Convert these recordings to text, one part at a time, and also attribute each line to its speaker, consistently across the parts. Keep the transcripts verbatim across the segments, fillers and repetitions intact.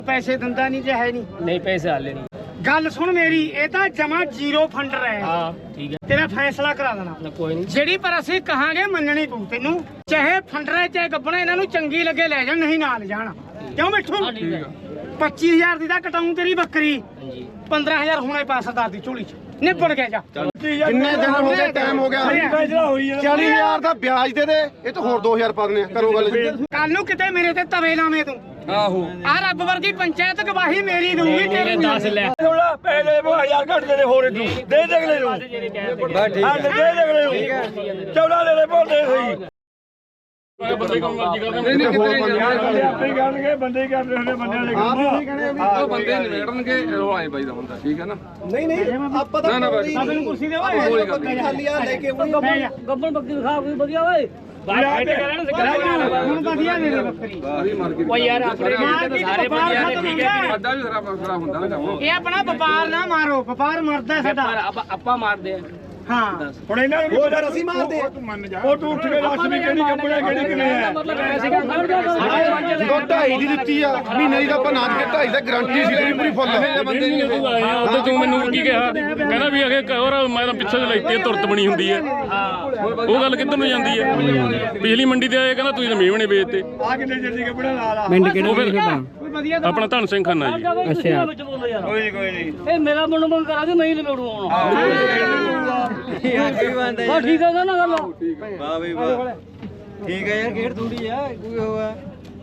Speaker 1: ਪੈਸੇ ਦਿੰਦਾ ਨਹੀਂ ਜੇ ਹੈ ਨਹੀਂ
Speaker 2: ਨਹੀਂ ਪੈਸੇ ਹਾਲੇ ਨਹੀਂ
Speaker 1: ਗੱਲ ਸੁਣ ਮੇਰੀ ਇਹ ਤਾਂ ਜਮਾ ਜ਼ੀਰੋ ਫੰਡਰ ਹੈ
Speaker 2: ਹਾਂ ਠੀਕ ਹੈ
Speaker 1: ਤੇਰਾ ਫੈਸਲਾ ਕਰਾ ਦੇਣਾ
Speaker 2: ਨਾ ਕੋਈ ਨਹੀਂ
Speaker 1: ਜਿਹੜੀ ਪਰ ਅਸੀਂ ਕਹਾਂਗੇ ਮੰਨਣੀ ਪਊ ਤੈਨੂੰ ਚਾਹੇ ਫੰਡਰ ਚਾਹੇ ਗੱਬਣਾ ਇਹਨਾਂ ਨੂੰ ਚੰਗੀ ਲੱਗੇ ਲੈ ਜਾਣ ਨਹੀਂ ਨਾਲ ਜਾਣ ਕਿਉਂ ਮਿੱਠੂ
Speaker 2: ਹਾਂ ਠੀਕ ਹੈ
Speaker 1: ਪੱਚੀ ਹਜ਼ਾਰ ਦੀ ਤਾਂ ਕਟਾਉਂ ਤੇਰੀ ਬੱਕਰੀ
Speaker 2: ਹਾਂਜੀ
Speaker 1: ਪੰਦਰਾਂ ਹਜ਼ਾਰ ਹੁਣੇ ਪਾ ਸਰਦਾਰ ਦੀ ਝੋਲੀ ਚ ਨਿਬੜ ਗਿਆ ਜਾ
Speaker 3: ਕਿੰਨੇ ਦਿਨ ਹੋ ਗਏ ਟਾਈਮ ਹੋ ਗਿਆ ਚਾਲੀ ਹਜ਼ਾਰ ਦਾ ਵਿਆਜ ਦੇ ਦੇ ਇਹ ਤਾਂ ਹੋਰ ਦੋ ਹਜ਼ਾਰ ਪਾ ਦਿੰਦੇ ਆ ਕਰੋ ਗੱਲ
Speaker 1: ਕੱਲ ਨੂੰ ਕਿਤੇ ਮੇਰੇ ਤੇ ਤਵੇ ਲਾਵੇਂ ਤੂੰ
Speaker 3: ਆਹੋ
Speaker 1: ਆ ਰੱਬ ਵਰਗੀ ਪੰਚਾਇਤ ਗਵਾਹੀ ਮੇਰੀ ਦਊਗੀ ਤੇਰੀ
Speaker 2: ਦਸ ਲੈ
Speaker 4: ਥੋੜਾ ਪਹਿਲੇ ਹਜ਼ਾਰ ਘੱਟ ਦੇ ਹੋਰ ਤੂੰ ਦੇ ਦੇ ਅਗਲੇ ਨੂੰ
Speaker 2: ਜਿਹੜੇ ਕਹਿ
Speaker 3: ਬਸ ਠੀਕ
Speaker 4: ਹਾਂ ਦੇ ਦੇ ਅਗਲੇ ਨੂੰ ਚੌੜਾ ਦੇ ਦੇ ਬੋਲਦੇ ਸਹੀ
Speaker 3: ਬੰਦੇ ਕੰਮ ਮਰਜ਼ੀ ਕਰਦੇ ਨੇ ਹੋਰ ਬੰਦੇ
Speaker 4: ਆਪੇ ਹੀ ਕਰਨਗੇ ਬੰਦੇ ਹੀ ਕਰਦੇ ਹੁੰਦੇ ਬੰਦਿਆਂ ਦੇ
Speaker 3: ਆਪ
Speaker 4: ਕੰਮ
Speaker 3: ਨਹੀਂ ਕਹਣੇ ਉਹ ਬੰਦੇ ਨਿਬੇੜਨਗੇ ਉਹ ਆਏ ਬਾਈ ਦਾ ਹੁੰਦਾ ਠੀਕ ਹੈ ਨਾ
Speaker 5: ਨਹੀਂ ਨਹੀਂ ਆਪਾਂ ਤਾਂ
Speaker 3: ਨਾ ਨਾ ਬਸ
Speaker 1: ਸਭ ਨੂੰ ਕੁਰਸੀ ਦੇ
Speaker 3: ਕੋਈ ਗੱਲ ਨਹੀਂ
Speaker 5: ਖਾਲੀ ਆ ਲੈ ਕੇ
Speaker 2: ਗੱਬਣ ਬੱਕਰੀ ਦਿਖਾ ਕੋਈ ਵਧੀਆ ਓਏ ਬਾਹਰ ਫਾਈਟ ਕਰਨ ਸਿੱਕਾ
Speaker 1: ਹੁਣ ਵਧੀਆ ਦੇ ਦੇ ਬੱਕਰੀ
Speaker 3: ਸਾਰੀ ਮਾਰਕੀਟ
Speaker 2: ਓ ਯਾਰ ਆਪਣੇ
Speaker 1: ਮਾਰ
Speaker 2: ਤਾਂ
Speaker 1: ਕੇ
Speaker 2: ਸਾਰੇ ਬੰਦਿਆਂ ਨੇ ਠੀਕ ਹੈ
Speaker 3: ਵੱਡਾ ਵੀ ਸਾਰਾ ਫਸਲਾ ਹੁੰਦਾ ਨਾ ਕੰਮ
Speaker 1: ਇਹ ਆਪਣਾ ਵਪਾਰ ਨਾ ਮਾਰੋ ਵਪਾਰ ਮਰਦਾ ਸਾਡਾ
Speaker 2: ਪਰ ਆਪਾਂ ਆਪਾਂ ਮਾਰਦੇ ਆ
Speaker 1: ਹਾਂ
Speaker 4: ਹੁਣ ਇਹਨਾਂ ਨੂੰ
Speaker 5: ਹੋਰ ਅਸੀਂ ਮਾਰਦੇ ਆ
Speaker 4: ਉਹ ਤੂੰ ਉੱਠ ਕੇ ਦੱਸ ਵੀ ਕਿਹੜੀ ਕੰਪਨੀ ਕਿਹੜੀ ਕਿਵੇਂ ਹੈ
Speaker 2: ਮਤਲਬ ਐ ਸੀਗਾ
Speaker 3: ਜਦੋਂ ਢਾਈ ਦੀ ਦਿੱਤੀ ਆ ਮਹੀਨੇ ਦੀ ਤਾਂ ਆਪਾਂ ਨਾ ਕੇ ਢਾਈ ਦਾ ਗਾਰੰਟੀ ਸੀ ਤੇਰੀ ਪੂਰੀ ਫੁੱਲ ਬੰਦੇ ਨਹੀਂ
Speaker 6: ਉਦੋਂ ਤੂੰ ਮੈਨੂੰ ਕੀ ਕਿਹਾ ਕਹਿੰਦਾ ਵੀ ਅਗੇ ਹੋਰ ਮੈਂ ਤਾਂ ਪਿੱਛੇ ਲੈਤੀ ਤੁਰਤ ਬਣੀ ਹੁੰਦੀ ਹੈ ਉਹ ਗੱਲ ਕਿੱਧਰ ਨੂੰ ਜਾਂਦੀ ਹੈ ਬਿਜਲੀ ਮੰਡੀ ਤੇ ਆਏ ਕਹਿੰਦਾ ਤੁਸੀਂ ਤਾਂ ਮੇਵਣੇ ਵੇਚਤੇ
Speaker 4: ਆ ਕਿੰਨੇ ਜਲਦੀ ਕੱਪੜਾ ਲਾ ਲਾ
Speaker 6: ਪਿੰਡ ਕਿਹੜਾ
Speaker 1: ਕੋਈ ਵਧੀਆ ਤਾਂ
Speaker 6: ਆਪਣਾ ਧਨ ਸਿੰਘ ਖਾਨਾ ਜੀ
Speaker 2: ਅੱਛਾ
Speaker 4: ਕੋਈ ਨਹੀਂ ਕੋਈ ਨਹੀਂ
Speaker 2: ਇਹ ਮੇਰਾ ਮਨ ਮੰਗ ਕਰਾ ਦੇ ਮੈਂ ਹੀ ਲਵੇੜੂ ਆਉਣਾ ਹਾਂ ਠੀਕ ਹੈ ਨਾ ਗੱਲ
Speaker 5: ਵਾਹ ਬਈ ਵਾਹ ਠੀਕ ਹੈ ਯਾਰ ਖੇਡ ਥੋੜੀ ਆ ਕੋਈ ਹੋਆ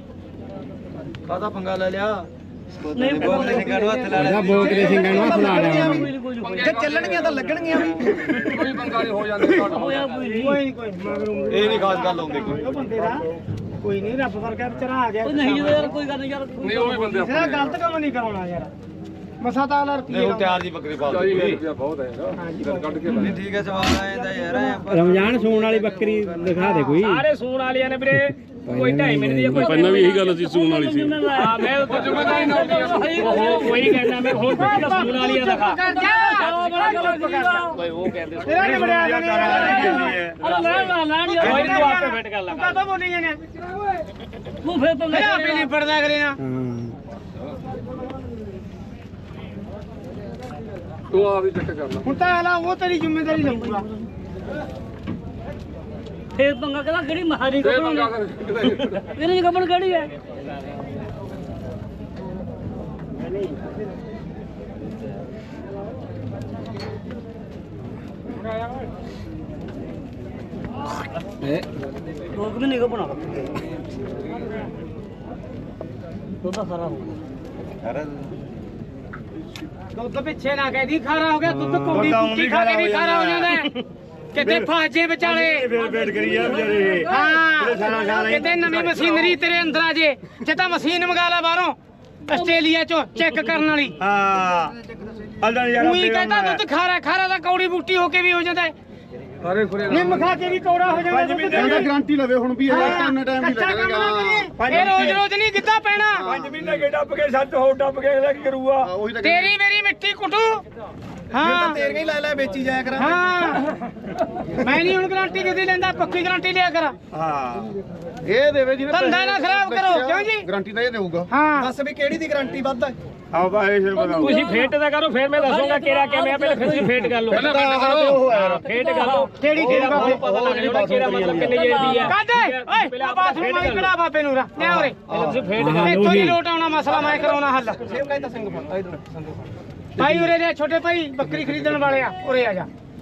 Speaker 5: ਕਾਹਦਾ ਪੰਗਾ ਲੈ ਲਿਆ
Speaker 2: ਨਹੀਂ
Speaker 5: ਬੋਕਰੇ ਸਿੰਘਾਂ ਨੂੰ ਹੱਥ ਲਾ ਲਿਆ
Speaker 3: ਬੋਕਰੇ ਸਿੰਘਾਂ ਨੂੰ ਹੱਥ ਲਾ ਲਿਆ
Speaker 5: ਜੇ ਚੱਲਣਗੀਆਂ ਤਾਂ ਲੱਗਣਗੀਆਂ ਵੀ
Speaker 3: ਕੋਈ ਬੰਗਾਲੀ ਹੋ ਜਾਂਦੇ
Speaker 2: ਹੋਇਆ ਕੋਈ ਨਹੀਂ
Speaker 1: ਕੋਈ ਨਹੀਂ ਕੋਈ ਨੀ, ਮਗਰੋਂ
Speaker 5: ਇਹ ਨਹੀਂ ਖਾਸ ਗੱਲ ਹੁੰਦੀ ਕੋਈ
Speaker 1: ਉਹ ਬੰਦੇ ਦਾ ਕੋਈ ਨਹੀਂ ਰੱਬ ਵਰਗਾ ਵਿਚਾਰਾ ਆ ਗਿਆ
Speaker 2: ਉਹ ਨਹੀਂ ਯਾਰ ਕੋਈ ਗੱਲ ਨਹੀਂ ਯਾਰ
Speaker 3: ਨਹੀਂ ਉਹ ਵੀ ਬੰਦੇ
Speaker 1: ਤੇਰਾ ਗਲਤ ਕੰਮ ਨਹੀਂ ਕਰਾਉਣਾ ਯਾਰ ਮਸਾ ਤਾਂ ਆਲਾ ਰੁਪਈਏ
Speaker 5: ਨਹੀਂ ਤਿਆਰ ਦੀ ਬੱਕਰੀ ਪਾ
Speaker 3: ਚਾਲੀ
Speaker 5: ਦੂਗੀ
Speaker 3: ਰੁਪਇਆ ਬਹੁਤ ਹੈ ਯਾਰ ਕੱਢ ਕੇ
Speaker 5: ਨਹੀਂ ਠੀਕ ਹੈ ਸਵਾਲ ਆਇਆ ਯਾਰ ਐਂ
Speaker 7: ਰਮਜ਼ਾਨ ਸੂਣ ਵਾਲੀ ਬੱਕਰੀ ਦਿਖਾ ਦੇ ਕੋਈ
Speaker 2: ਸਾਰੇ ਸੂਣ ਵਾਲਿਆਂ ਨੇ ਵੀਰੇ ਕੋਈ ਢਾਈ ਮਿੰਟ ਦੀ ਕੋਈ
Speaker 6: ਪਹਿਲਾਂ ਵੀ ਇਹੀ ਗੱਲ ਸੀ ਸੂਣ ਵਾਲੀ ਸੀ
Speaker 2: ਹਾਂ ਮੈਂ ਤਾਂ ਜ਼ਿੰਮੇਵਾਰੀ ਨਾ ਉਹ ਕੋਈ ਕਹਿੰਦਾ ਮੈਂ ਹੁਣ ਤਾਂ ਸੂਣ ਵਾਲੀ ਆ ਦਿਖਾ ਕੋਈ ਉਹ ਕਹਿੰਦੇ
Speaker 1: ਤੇਰਾ ਨਹੀਂ ਬੜਿਆ ਜਾਣੇ
Speaker 2: ਅਰੇ ਲੈ ਲੈ ਲੈ ਕੋਈ ਤੂੰ ਆਪੇ ਫਿੱਟ ਕਰ ਲੈ
Speaker 1: ਤੂੰ ਕਦੋਂ ਬੋਲੀ ਜਾਨੇ
Speaker 2: ਤੂੰ ਫਿਰ ਤਾਂ
Speaker 1: ਮੈਂ ਆਪੇ ਨਹੀਂ ਪੜਦਾ ਕਰੇ ਨਾ
Speaker 3: ਤੂੰ ਆ ਵੀ ਚੈੱਕ ਕਰ ਲੈ
Speaker 1: ਹੁਣ ਤਾਂ ਆਲਾ ਉਹ ਤੇਰੀ ਜ਼ਿੰਮੇਵਾਰੀ ਲਊਗਾ
Speaker 2: ਫੇਰ ਪੰਗਾ ਕਹਿੰਦਾ ਕਿਹੜੀ ਮਹਾਰੀ
Speaker 3: ਤੇ
Speaker 2: ਕੱਪੜ
Speaker 3: ਮੰਗਾ ਕਰ
Speaker 2: ਇਹਨੇ ਕੱਪੜ ਕਿਹੜੀ ਹੈ ਲੋਕ ਵੀ ਨਹੀਂ ਕੱਪਣਾ ਤੋਤਾ ਸਾਰਾ ਹੋ ਗਿਆ
Speaker 1: ਦੁੱਧ ਪਿੱਛੇ ਨਾ ਕਹਿਦੀ ਖਾਰਾ ਹੋ ਗਿਆ ਦੁੱਧ ਕੋਡੀ ਕੁੱਤੀ ਖਾ ਕੇ ਵੀ ਖਾਰਾ ਹੋ ਜਾਂਦਾ ਹੈ। ਕਿਤੇ ਫਾਜੇ ਵਿਚਾਲੇ
Speaker 4: ਫੇਰ ਫੇਟ ਕਰੀ ਆ ਵਿਚਾਰੇ
Speaker 1: ਹਾਂ ਕਿਤੇ ਨਵੀਂ ਮਸ਼ੀਨਰੀ ਤੇਰੇ ਅੰਦਰ ਆ ਜੇ ਜੇ ਤਾਂ ਮਸ਼ੀਨ ਮੰਗਾ ਲੈ ਬਾਹਰੋਂ ਆਸਟ੍ਰੇਲੀਆ ਚੋਂ ਚੈੱਕ ਕਰਨ ਵਾਲੀ
Speaker 4: ਹਾਂ ਅੱਲਾ ਯਾਰ
Speaker 1: ਉਹੀ ਕਹਿੰਦਾ ਦੁੱਧ ਖਾਰਾ ਖਾਰਾ ਦਾ ਕੌੜੀ ਬੂਟੀ ਹੋ ਕੇ ਵੀ ਹੋ ਜਾਂਦਾ ਹੈ
Speaker 3: ਸਾਰੇ ਖੁਰੇ
Speaker 1: ਨਿੰਮ ਖਾ ਕੇ ਵੀ ਕੌੜਾ ਹੋ ਜਾਂਦਾ ਦੁੱਧ
Speaker 3: ਇਹਦਾ ਗਾਰੰਟੀ ਲਵੇ ਹੁਣ ਵੀ ਇਹ ਕਿੰਨਾ ਟਾਈਮ ਨਹੀਂ
Speaker 1: ਕੱਚਾ ਕੰਮ ਨਾ
Speaker 3: ਲੱਗੇਗਾ
Speaker 1: ਕਰੀਏ ਇਹ ਰੋਜ਼ ਰੋਜ਼ ਨਹੀਂ ਗਿੱਧਾ ਪੈਣਾ
Speaker 4: ਪੰਜ ਮਹੀਨੇ ਕੇ ਡੱਬ ਕੇ ਸੱਤ ਹੋਰ ਡੱਬ ਕੇ ਅਗਲਾ ਕੀ ਕਰੂਗਾ
Speaker 3: ਉਹੀ ਤਾਂ
Speaker 1: ਤੇਰੀ ਮੇਰੀ ਮਿੱਟੀ ਕੁੱਟੂ ਹਾਂ
Speaker 5: ਤੇਰੇ ਹੀ ਲੈ ਲੈ ਵੇਚੀ ਜਾਇਆ ਕਰਾਂ
Speaker 1: ਹਾਂ ਮੈਂ ਨਹੀਂ ਹੁਣ ਗਾਰੰਟੀ ਕਿਤੇ ਲੈਂਦਾ ਪੱਕੀ ਗਾਰੰਟੀ ਲਿਆ ਕਰ
Speaker 4: ਹਾਂ
Speaker 3: ਇਹ ਦੇਵੇ ਜਿਹਨੇ
Speaker 1: ਧੰਦਾ ਨਾ ਖਰਾਬ ਕਰੋ ਕਿਉਂ ਜੀ
Speaker 3: ਗਾਰੰਟੀ ਤਾਂ ਇਹ ਦੇਊਗਾ
Speaker 1: ਹਾਂ
Speaker 5: ਦੱਸ ਵੀ ਕਿਹੜੀ ਦੀ ਗਾਰੰਟੀ ਵੱਧ ਹੈ
Speaker 4: ਆਓ ਬਾਈ ਸਿਰ ਬਤਾਓ
Speaker 2: ਤੁਸੀਂ ਫੇਟ ਦਾ ਕਰੋ ਫਿਰ ਮੈਂ ਦੱਸੂਗਾ ਕਿਹੜਾ ਕਿਵੇਂ ਆ ਪਹਿਲਾਂ ਫਿਰ ਤੁਸੀਂ ਫੇਟ ਕਰ ਲਓ
Speaker 3: ਪਹਿਲਾਂ ਫੇਟ ਕਰੋ
Speaker 2: ਫੇਟ ਕਰ ਲਓ
Speaker 1: ਕਿਹੜੀ
Speaker 2: ਕਿਹੜਾ
Speaker 1: ਕਿਹੜਾ
Speaker 2: ਬਹੁਤ ਪਤਾ ਲੱਗ ਜਾਊਗਾ ਕਿਹੜਾ ਮਤਲਬ ਕਿੰਨੇ ਜੇ ਦੀ ਹੈ
Speaker 1: ਕੱਢ ਓਏ ਆ ਬਾਥਰੂਮ ਮਾਈ ਕਢਾ ਬਾਪੇ ਨੂੰ ਰਾ ਲੈ ਉਰੇ
Speaker 2: ਪਹਿਲਾਂ ਤੁਸੀਂ ਫੇਟ ਕਰ
Speaker 1: ਇੱਥੋਂ ਨਹੀਂ ਲੋਟ ਆਉਣਾ ਮਸਲਾ ਮੈਂ ਕਰਾਉਣਾ ਹੱਲ ਭਾਈ ਉਰੇ ਦੇ ਛੋਟੇ ਭਾਈ ਬੱਕਰੀ ਖਰੀਦਣ ਵਾਲੇ ਆ ਉਰੇ ਆ ਜਾ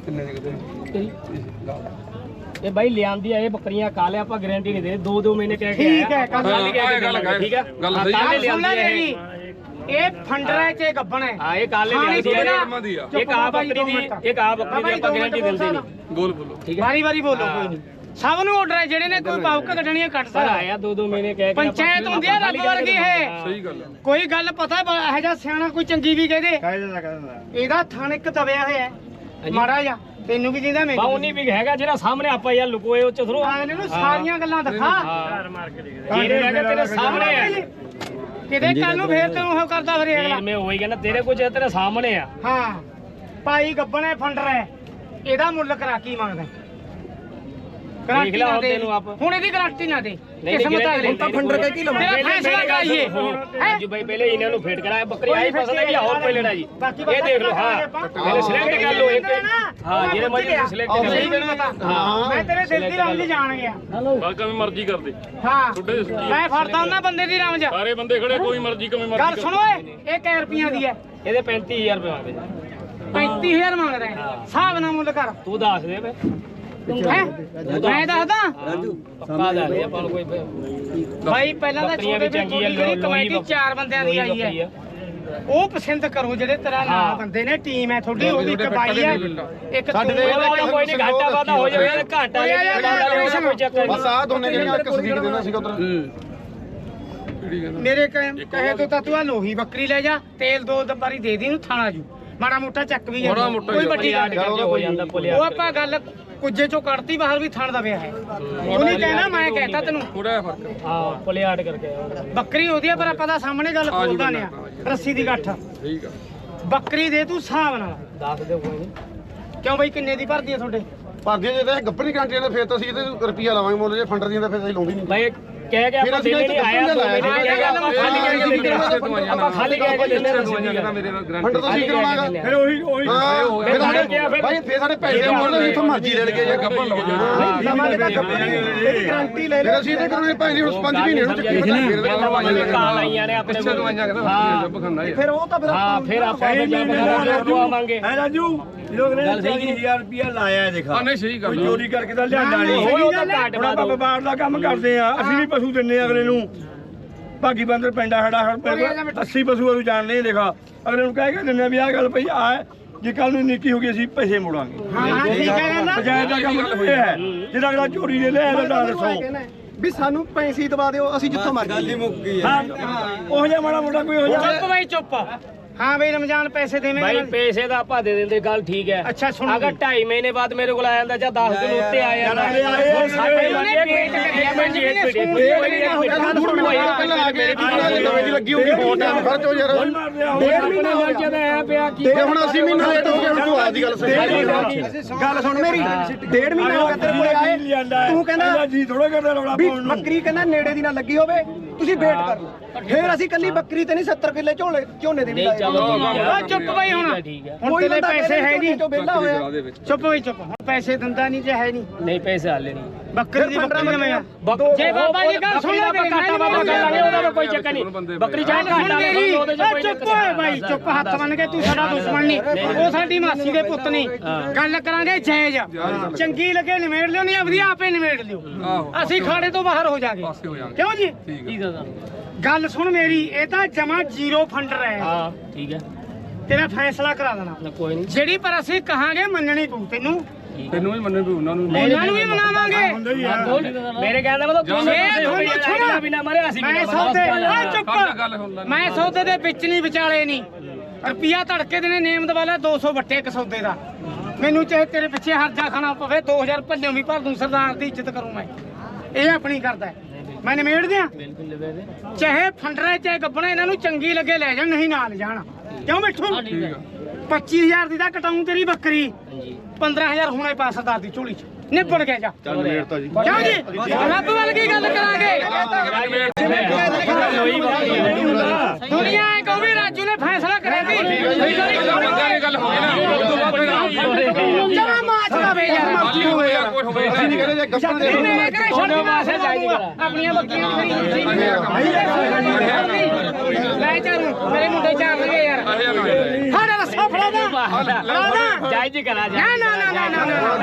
Speaker 2: ਇਹ ਬਾਈ ਲਿਆਂਦੀ ਆ ਇਹ ਬੱਕਰੀਆਂ ਕਾਲੇ ਆਪਾਂ ਗਾਰੰਟੀ ਨਹੀਂ ਦੇ ਦੋ ਦੋ ਮਹੀਨੇ ਕਹਿ ਕੇ
Speaker 1: ਠੀਕ ਹੈ ਕੱਲ
Speaker 3: ਹਾਂ ਇਹ ਗੱਲ ਕਰ
Speaker 2: ਠੀਕ ਹੈ
Speaker 3: ਗੱਲ ਸਹੀ
Speaker 2: ਕਾਲੇ
Speaker 1: ਸੁਣ ਲੈ
Speaker 2: ਲਿਆਂਦੀ
Speaker 1: ਮੇਰੀ
Speaker 2: ਹੈ
Speaker 1: ਇਹ ਫੰਡਰਾ ਚ ਗੱਬਣ ਹੈ
Speaker 2: ਹਾਂ ਇਹ ਕਾਲੇ
Speaker 1: ਖਾਣੀ
Speaker 2: ਲਿਆਂਦੀ
Speaker 1: ਕਿਹੜਾ?
Speaker 2: ਹੈ
Speaker 3: ਦੀ ਆ
Speaker 2: ਇੱਕ ਆ ਬੱਕਰੀ ਦੀ ਇੱਕ ਆ ਬੱਕਰੀ ਦੀ ਆਪਾਂ ਗਾਰੰਟੀ ਦਿੰਦੇ ਨਹੀਂ
Speaker 3: ਬੋਲ ਬੋਲੋ
Speaker 2: ਠੀਕ ਹੈ
Speaker 1: ਵਾਰੀ ਵਾਰੀ ਬੋਲੋ ਕੋਈ ਨਹੀਂ ਸਭ ਨੂੰ ਆਰਡਰ ਹੈ ਜਿਹੜੇ ਨੇ ਕੋਈ ਪਾਉਕ ਕੱਢਣੀਆਂ ਕੱਢ
Speaker 2: ਸਰ
Speaker 1: ਸਕਦਾ
Speaker 2: ਆਇਆ ਦੋ ਦੋ ਮਹੀਨੇ ਕਹਿ ਕੇ
Speaker 1: ਪੰਚਾਇਤ ਹੁੰਦੀ ਹੈ ਰੱਬ ਵਰਗੀ ਹੈ
Speaker 3: ਸਹੀ ਗੱਲ ਹੈ
Speaker 1: ਕੋਈ ਗੱਲ ਪਤਾ ਇਹੋ ਜਿਹਾ ਸਿਆਣਾ ਕੋਈ ਚੰਗੀ ਵੀ ਕਹਦੇ
Speaker 4: ਕਾਇਦਾ ਕਹਿੰਦਾ
Speaker 1: ਇਹਦਾ ਥਣ ਇੱਕ ਦਬਿਆ ਹੋਇਆ ਹੈ ਮਾੜਾ ਜਿਹਾ ਤੈਨੂੰ ਵੀ ਜਿੰਦਾ ਮੈਂ
Speaker 2: ਬਾ ਉਨੀ ਵੀ ਹੈਗਾ ਜਿਹੜਾ ਸਾਹਮਣੇ ਆਪਾਂ ਯਾਰ ਲੁਕੋਏ ਉਹ ਚ ਥਰੋ
Speaker 1: ਆ ਇਹਨੂੰ ਸਾਰੀਆਂ ਗੱਲਾਂ ਦਿਖਾ
Speaker 2: ਤੇਰੇ ਹੈਗਾ ਤੇਰੇ ਸਾਹਮਣੇ ਹੈ
Speaker 1: ਕਿਤੇ ਕੱਲ ਨੂੰ ਫੇਰ ਤੈਨੂੰ ਉਹ ਕਰਦਾ ਫਿਰ ਅਗਲਾ
Speaker 2: ਫੇਰ ਮੈਂ ਉਹੀ ਕਹਿੰਦਾ ਤੇਰੇ ਕੁਝ ਤੇਰੇ ਸਾਹਮਣੇ ਆ
Speaker 1: ਹਾਂ ਭਾਈ ਗੱਬਣੇ ਫੰਡਰ ਹੈ ਇਹਦਾ ਮੁੱਲ ਕਰਾ ਕੀ ਮੰਗਦਾ
Speaker 2: ਦੇਖ ਲਾ ਹੁਣ ਤੈਨੂੰ ਆਪ
Speaker 1: ਹੁਣ ਇਹਦੀ ਗਾਰੰਟੀ ਨਾ ਦੇ ਕਿਸਮਤ ਅਗਲੇ
Speaker 2: ਤਾਂ ਫੰਡਰ ਕੇ ਕੀ ਲਵਾਂ
Speaker 1: ਤੇਰਾ ਫੈਸਲਾ ਕਰਾਈਏ ਹੈ
Speaker 2: ਜੀ ਬਾਈ ਪਹਿਲੇ ਇਹਨਾਂ ਨੂੰ ਫੇਟ ਕਰਾਇਆ ਬੱਕਰੀ ਆਈ ਪਸੰਦ ਹੈ ਕਿ ਹੋਰ ਕੋਈ ਲੈਣਾ ਜੀ ਇਹ ਦੇਖ ਲਓ ਹਾਂ ਪਹਿਲੇ ਸਿਲੈਕਟ ਕਰ ਲਓ ਇੱਕ ਹਾਂ ਜਿਹੜੇ ਮਰਜ਼ੀ ਸਿਲੈਕਟ ਕਰ
Speaker 1: ਹਾਂ ਮੈਂ ਤੇਰੇ ਦਿਲ ਦੀ ਰਮਜ ਜਾਣ ਗਿਆ
Speaker 6: ਗੱਲ ਕਿਵੇਂ ਮਰਜ਼ੀ ਕਰਦੇ
Speaker 1: ਹਾਂ
Speaker 6: ਤੁਹਾਡੇ ਕੀ
Speaker 1: ਮੈਂ ਫੜਦਾ ਉਹਨਾਂ ਬੰਦੇ ਦੀ ਰਮਜ
Speaker 6: ਸਾਰੇ ਬੰਦੇ ਖੜੇ ਕੋਈ ਮਰਜ਼ੀ ਕਿਵੇਂ ਮਰਜ਼ੀ
Speaker 1: ਗੱਲ ਸੁਣੋ ਏ ਇਹ ਕੈ ਰੁਪਈਆਂ ਦੀ ਹੈ
Speaker 2: ਇਹਦੇ ਪੈਂਤੀ ਹਜ਼ਾਰ ਰੁਪਏ ਮੰਗਦੇ
Speaker 1: ਪੈਂਤੀ ਹਜ਼ਾਰ ਮੰਗਦਾ ਹਿਸਾਬ ਨਾਲ ਮੁੱਲ ਕਰ
Speaker 2: ਤੂੰ ਦੱਸ ਦੇ ਬੇ
Speaker 1: ਹੈ ਮੈਂ ਦੱਸਦਾ
Speaker 2: ਪੱਕਾ ਦੱਸ ਦੇ ਆਪਾਂ ਨੂੰ ਕੋਈ
Speaker 1: ਭਾਈ ਪਹਿਲਾਂ ਤਾਂ ਛੋਟੇ ਵਿੱਚ ਜਿਹੜੀ ਕਮੇਟੀ ਚਾਰ ਬੰਦਿਆਂ ਦੀ ਆਈ ਹੈ ਉਹ ਪਸੰਦ ਕਰੋ ਜਿਹੜੇ ਤੇਰਾ ਨਾਲ ਬੰਦੇ ਨੇ ਟੀਮ ਹੈ ਤੁਹਾਡੀ ਉਹਦੀ ਇੱਕ ਬਾਈ ਹੈ ਇੱਕ
Speaker 3: ਸਾਡੇ
Speaker 1: ਤੂੰ
Speaker 3: ਦੇ
Speaker 2: ਕੋਈ ਨਹੀਂ ਘਾਟਾ ਵਾਦਾ ਹੋ ਜਾਵੇ ਘਾਟਾ ਜਾਂ ਕੋਈ ਚੱਕਰ
Speaker 3: ਬਸ ਆ ਦੋਨੇ ਜਿਹੜੀਆਂ ਇੱਕ ਸਦੀਕ ਦੇਣਾ ਸੀਗਾ ਉਧਰ
Speaker 1: ਮੇਰੇ ਕਹੇ ਕਹੇ ਤੋਂ ਤਾਂ ਤੂੰ ਆ ਲੋਹੀ ਬੱਕਰੀ ਲੈ ਜਾ ਤੇਲ ਦੋ ਦਬਾਰੀ ਦੇ ਦੀ ਨੂੰ ਥਾਣਾ ਜੂ ਮਾੜਾ ਮੋਟਾ ਚੱਕ ਵੀ
Speaker 6: ਮਾੜਾ
Speaker 1: ਜਾਂਦਾ
Speaker 6: ਮੋਟਾ
Speaker 1: ਕੋਈ ਵੱਡੀ ਗੱਲ ਨਹੀਂ
Speaker 2: ਹੋ ਜਾਂਦਾ ਪੁਲਿਆ
Speaker 1: ਉਹ ਆਪਾਂ ਗੱਲ ਕੁੱਜੇ ਚੋਂ ਕੱਢਤੀ ਬਾਹਰ ਵੀ ਥਾਣ ਦਾ ਪਿਆ ਹੈ ਉਹ ਨਹੀਂ ਕਹਿਣਾ ਮੈਂ ਕਹਿਤਾ ਤੈਨੂੰ
Speaker 6: ਥੋੜਾ ਫਰਕ
Speaker 2: ਹਾਂ ਪੁਲਿਆਟ ਕਰਕੇ
Speaker 1: ਬੱਕਰੀ ਉਹਦੀ ਆ ਪਰ ਆਪਾਂ ਤਾਂ ਸਾਹਮਣੇ ਗੱਲ ਖੋਲਦਾ ਨੇ ਆ ਰੱਸੀ ਦੀ ਗੱਠ
Speaker 6: ਠੀਕ ਆ
Speaker 1: ਬੱਕਰੀ ਦੇ ਤੂੰ ਹਿਸਾਬ ਨਾਲ
Speaker 2: ਦੱਸ ਦੇ ਕੋਈ ਨਹੀਂ
Speaker 1: ਕਿਉਂ ਬਈ ਕਿੰਨੇ ਦੀ ਭਰਦੀ ਆ ਤੁਹਾਡੇ
Speaker 3: ਭਾਰਤੀ ਜੇ ਤਾਂ ਗੱਪਣੀ ਕੰਟਰੀ ਦਾ ਫੇਰ ਤਾਂ ਅਸੀਂ ਇਹਦੇ ਰੁਪਈਆ ਲਾਵਾਂਗੇ ਮੁੱਲ ਜੇ ਫੰਡਰ ਦੀਆਂ ਤਾਂ ਫੇਰ ਅਸੀਂ ਲਾਉਂਦੇ ਨਹੀਂ
Speaker 2: ਭਾਈ ਕਹਿ ਕੇ ਆਪਾਂ ਦੇਣੇ ਨਹੀਂ ਆਇਆ ਆਪਾਂ ਖਾਲੀ ਕਹਿ ਕੇ ਦਿੰਦੇ
Speaker 3: ਫੰਡਰ ਤਾਂ ਅਸੀਂ ਕਰਾਵਾਂਗਾ
Speaker 4: ਫਿਰ ਉਹੀ ਉਹੀ
Speaker 3: ਹਾਂ ਫਿਰ ਸਾਡੇ ਭਾਈ ਫੇਰ ਸਾਡੇ ਪੈਸੇ ਮੁੱਲ ਜਿੱਥੋਂ ਮਰਜ਼ੀ ਲੈ ਲਗੇ ਜਾਂ ਗੱਪਣ ਲਓ
Speaker 1: ਲਵਾਂਗੇ ਤਾਂ ਗੱਪਣੀ ਇਹਦੀ ਗਾਰੰਟੀ ਲੈ
Speaker 3: ਫਿਰ ਅਸੀਂ ਤੇ ਕਰਾਂਗੇ ਭਾਈ ਨਹੀਂ ਹੁਣ ਪੰਜ ਮਹੀਨੇ ਨੂੰ ਚੱਕੀ
Speaker 2: ਕਾਲ ਆਈਆਂ ਨੇ ਆਪਣੇ ਹਾਂ
Speaker 1: ਫਿਰ ਉਹ ਤਾਂ ਫਿਰ
Speaker 2: ਹਾਂ ਫਿਰ ਆਪਾਂ ਲਵਾਵਾਂਗੇ
Speaker 4: ਹੈ ਰਾਜੂ ਲੋਕ ਨੇ ਚਾਲੀ ਹਜ਼ਾਰ ਰੁਪਇਆ ਲਾਇਆ ਦੇਖਾ
Speaker 6: ਨਹੀਂ ਸਹੀ ਗੱਲ
Speaker 4: ਚੋਰੀ ਕਰਕੇ ਤਾਂ ਲਿਆਂਦਾ ਨਹੀਂ
Speaker 2: ਉਹ ਤਾਂ ਘਾਟ
Speaker 4: ਹੁਣ ਆਪਾਂ ਵਪਾਰ ਦਾ ਕੰਮ ਕਰਦੇ ਆ ਅਸੀਂ ਵੀ ਪਸ਼ੂ ਦਿੰਨੇ ਅਗਲੇ ਨੂੰ ਭਾਗੀ ਬੰਦਰ ਪੈਂਦਾ ਸਾਡਾ ਅੱਸੀ ਪਸ਼ੂ ਨੂੰ ਜਾਣਦੇ ਦੇਖਾ ਅਗਲੇ ਨੂੰ ਕਹਿ ਕੇ ਦਿੰਨੇ ਵੀ ਆਹ ਗੱਲ ਪਈ ਆ ਜੇ ਕੱਲ ਨੂੰ ਨੀਤੀ ਹੋ ਗਈ ਅਸੀਂ ਪੈਸੇ ਮੋੜਾਂਗੇ
Speaker 1: ਹਾਂ ਠੀਕ ਹੈ ਕਹਿੰਦਾ
Speaker 4: ਪੰਚਾਇਤ ਦਾ ਕੰਮ ਇਹ ਹੈ ਜਿਹੜਾ ਅਗਲਾ ਚੋਰੀ ਦੇ ਲਿਆ ਤਾਂ ਦੱਸੋ
Speaker 3: ਵੀ ਸਾਨੂੰ ਪੈਸੇ ਦਵਾ ਦਿਓ ਅਸੀਂ ਜਿੱਥੋਂ ਮਰਜ਼ੀ ਗੱਲ ਹੀ ਮੁੱਕ ਗਈ
Speaker 4: ਹਾਂ ਉਹ ਜਿਹਾ ਮਾੜਾ ਮੋਟਾ ਕੋਈ ਹੋ ਜਾ
Speaker 1: ਚੁੱਪ ਬਈ ਚੁੱਪ ਹਾਂ ਬਈ ਰਮਜ਼ਾਨ ਪੈਸੇ
Speaker 2: ਭਾਈ
Speaker 1: ਦੇਵੇਂਗੇ
Speaker 2: ਪੈਸੇ ਦਾ ਆਪਾਂ ਦੇ ਦਿੰਦੇ ਗੱਲ ਠੀਕ ਹੈ
Speaker 1: ਅੱਛਾ ਸੁਣੋ
Speaker 2: ਅਗਰ ਢਾਈ ਮਹੀਨੇ ਬਾਅਦ ਮੇਰੇ ਕੋਲ ਆ ਜਾਂਦਾ ਜਾਂ ਦਸ ਦਿਨ ਉੱਤੇ ਆ ਜਾਂਦਾ ਹੁਣ ਸਾਡੇ
Speaker 1: ਉਹਨੇ ਪੇਟ ਕਰਿਆ ਮੈਂ ਜੀ ਨੇ ਸੂਟ
Speaker 3: ਨਵੇਂ ਦੀ ਲੱਗੀ ਹੋਊਗੀ ਹੋਰ ਟਾਈਮ ਖਰਚ ਹੋ ਯਾਰ
Speaker 2: ਡੇਢ ਮਹੀਨਾ ਹੋ ਜਾਂਦਾ ਆ ਪਿਆ ਕੀ
Speaker 3: ਤੇ ਹੁਣ ਅਸੀਂ ਮਹੀਨਾ ਲੇਟ ਹੋ ਗਏ ਹੁਣ ਤੂੰ ਆਦੀ ਗੱਲ ਸਹੀ
Speaker 8: ਗੱਲ ਸੁਣ ਮੇਰੀ ਡੇਢ ਮਹੀਨਾ ਹੋ ਗਿਆ ਤੇਰੇ ਕੋਲੇ ਆਏ ਤੂੰ ਕਹਿੰਦਾ
Speaker 4: ਜੀ ਥੋੜਾ ਕਰਦਾ ਰੌਲਾ
Speaker 8: ਵੀ
Speaker 4: ਪਾਉਣ ਨੂੰ
Speaker 8: ਬੱਕਰੀ ਕਹਿੰਦਾ ਨੇੜੇ ਦੀ ਨਾ ਲੱਗੀ ਹੋਵੇ ਤੁਸੀਂ ਵੇਟ ਕਰ ਲਓ ਫੇਰ ਅਸੀਂ ਕੱਲੀ ਬੱਕਰੀ ਤੇ ਨਹੀਂ ਸੱਤਰ ਕਿੱਲੇ ਝੋਲੇ ਝੋਨੇ ਦੇ ਵੀ ਲਾਏ
Speaker 1: ਆ ਚੁੱਪ ਬਈ ਹੁਣ
Speaker 2: ਠੀਕ ਹੈ
Speaker 1: ਹੁਣ ਤੇਰੇ ਪੈਸੇ ਹੈ ਨਹੀਂ
Speaker 8: ਚੋਂ ਵਿਹਲਾ ਹੋਇਆ
Speaker 1: ਚੁੱਪ ਬਈ ਚੁੱਪ ਹੁਣ ਪੈਸੇ ਦਿੰਦਾ ਨਹੀਂ ਜੇ ਹੈ ਨਹੀਂ
Speaker 2: ਨਹੀਂ ਪੈਸੇ ਹਾਲੇ ਨਹੀਂ
Speaker 1: ਬੱਕਰੀ ਦੀ ਬੱਕਰੀ ਲਵੇਂਗਾ ਜੇ ਬਾਬਾ ਜੀ ਗੱਲ ਸੁਣ ਲੈ ਮੇਰੀ
Speaker 2: ਘਾਟਾ ਬਾਬਾ ਕਰ ਲਾਂਗੇ ਉਹਦਾ ਤਾਂ ਕੋਈ ਚੱਕਰ ਨਹੀਂ ਬੱਕਰੀ ਚਾਹ ਘਾਟਾ
Speaker 1: ਮੇਰੀ
Speaker 2: ਉਹਦੇ ਚ ਕੋਈ
Speaker 1: ਚੁੱਪ ਹੋਏ ਬਾਈ ਚੁੱਪ ਹੱਥ ਬੰਨ ਕੇ ਤੂੰ ਸਾਡਾ ਦੁਸ਼ਮਣ ਨਹੀਂ ਉਹ ਸਾਡੀ ਮਾਸੀ ਦੇ ਪੁੱਤ ਨਹੀਂ ਗੱਲ ਕਰਾਂਗੇ ਜਾਇਜ਼ ਚੰਗੀ ਲੱਗੇ ਨਿਮੇੜ ਲਿਓ ਨਹੀਂ ਆਪਦੀ ਆਪੇ ਨਿਮੇੜ ਲਿਓ ਅਸੀਂ ਖਾੜੇ ਤੋਂ ਬਾਹਰ ਹੋ ਜਾਗੇ ਕਿਉਂ ਜੀ
Speaker 2: ਠੀਕ ਹੈ
Speaker 1: ਗੱਲ ਸੁਣ ਮੇਰੀ ਇਹ ਤਾਂ ਜਮਾ ਜ਼ੀਰੋ ਫੰਡਰ ਹੈ
Speaker 2: ਹਾਂ ਠੀਕ ਹੈ
Speaker 1: ਤੇਰਾ ਫੈਸਲਾ ਕਰਾ ਦੇਣਾ
Speaker 2: ਕੋਈ ਨਹੀਂ
Speaker 1: ਜਿਹੜੀ ਪਰ ਅਸੀਂ ਕਹਾਂਗੇ ਮੰਨਣੀ ਪਊ ਤੈਨੂੰ
Speaker 6: ਤੈਨੂੰ ਵੀ ਮੰਨੇ ਵੀ ਉਹਨਾਂ ਨੂੰ
Speaker 1: ਉਹਨਾਂ ਨੂੰ ਵੀ ਮਨਾਵਾਂਗੇ
Speaker 2: ਮੇਰੇ ਕਹਿੰਦਾ ਮਤਲਬ ਦੋਨੋਂ ਪਾਸੇ ਹੋ ਗਈ ਚਾਹੀਦਾ ਬਿਨਾ ਮਰੇ ਅਸੀਂ
Speaker 1: ਮੈਂ ਸੌਦੇ ਆ ਚੁੱਪ ਮੈਂ ਸੌਦੇ ਦੇ ਵਿੱਚ ਨਹੀਂ ਵਿਚਾਲੇ ਨਹੀਂ ਰੁਪਿਆ ਧੜਕੇ ਦੇ ਨੇ ਨੇਮ ਦਵਾਲਾ ਦੋ ਸੌ ਵੱਟੇ ਇੱਕ ਸੌਦੇ ਦਾ ਮੈਨੂੰ ਚਾਹੇ ਤੇਰੇ ਪਿੱਛੇ ਹਰਜਾ ਖਾਣਾ ਪਵੇ ਦੋ ਹਜ਼ਾਰ ਭੱਲਿਓ ਵੀ ਭਰ ਦੂੰ ਸਰਦਾਰ ਦੀ ਇੱਜ਼ਤ ਕਰੂੰ ਮੈਂ ਇਹ ਆਪਣੀ ਕਰਦਾ ਮੈਂ ਨਿਮੇੜ ਦਿਆਂ ਚਾਹੇ ਫੰਡਰਾ ਚਾਹੇ ਗੱਬਣਾ ਇਹਨਾਂ ਨੂੰ ਚੰਗੀ ਲੱਗੇ ਲੈ ਜਾਣ ਨਹੀਂ ਨਾਲ ਜਾਣ ਕਿਉਂ ਬੈਠੂ ਪੱਚੀ ਹਜ਼ਾਰ ਦੀ ਤਾਂ ਕਟਾਉਂ ਤੇਰੀ ਬੱਕਰੀ ਪੰਦਰਾਂ ਹਜ਼ਾਰ ਹੁਣੇ ਪਾ ਸਰਦਾਰ ਦੀ ਝੋਲੀ ਚ ਨਿਬੜ ਗਿਆ ਜਾ
Speaker 3: ਚੱਲ ਮੇੜਤਾ ਜੀ
Speaker 1: ਕਿਉਂ ਜੀ ਰੱਬ ਵੱਲ ਕੀ ਗੱਲ ਕਰਾਂਗੇ ਦੁਨੀਆ ਐ ਕਹੂ ਵੀ ਰਾਜੂ ਨੇ ਫੈਸਲਾ ਕਰਿਆ ਸੀ
Speaker 6: ਗੱਲ ਹੋਈ ਨਾ
Speaker 1: ਜਮਾ ਮਾਚ ਦਾ ਵੇ ਯਾਰ
Speaker 3: ਅਸੀਂ ਨਹੀਂ ਕਹਿੰਦੇ ਜੇ ਗੱਪਣ ਦੇ
Speaker 1: ਮੈਂ ਕਰੇ ਛੱਡ ਮਾਸੇ ਆਪਣੀਆਂ ਬੱਕਰੀਆਂ ਖਰੀਦੀ ਲੈ ਚਾਰੂ ਮੇਰੇ ਮੁੰਡੇ ਚਾਰ ਲਗੇ ਯਾਰ ਹਾੜਾ ਰਸਾ ਫੜਾ ਦਾ ਫੜਾ
Speaker 2: ਜਾਇਜ਼ ਹੀ ਕਰਾ ਜਾ
Speaker 1: ਨਾ ਨਾ ਨਾ ਨਾ ਨਾ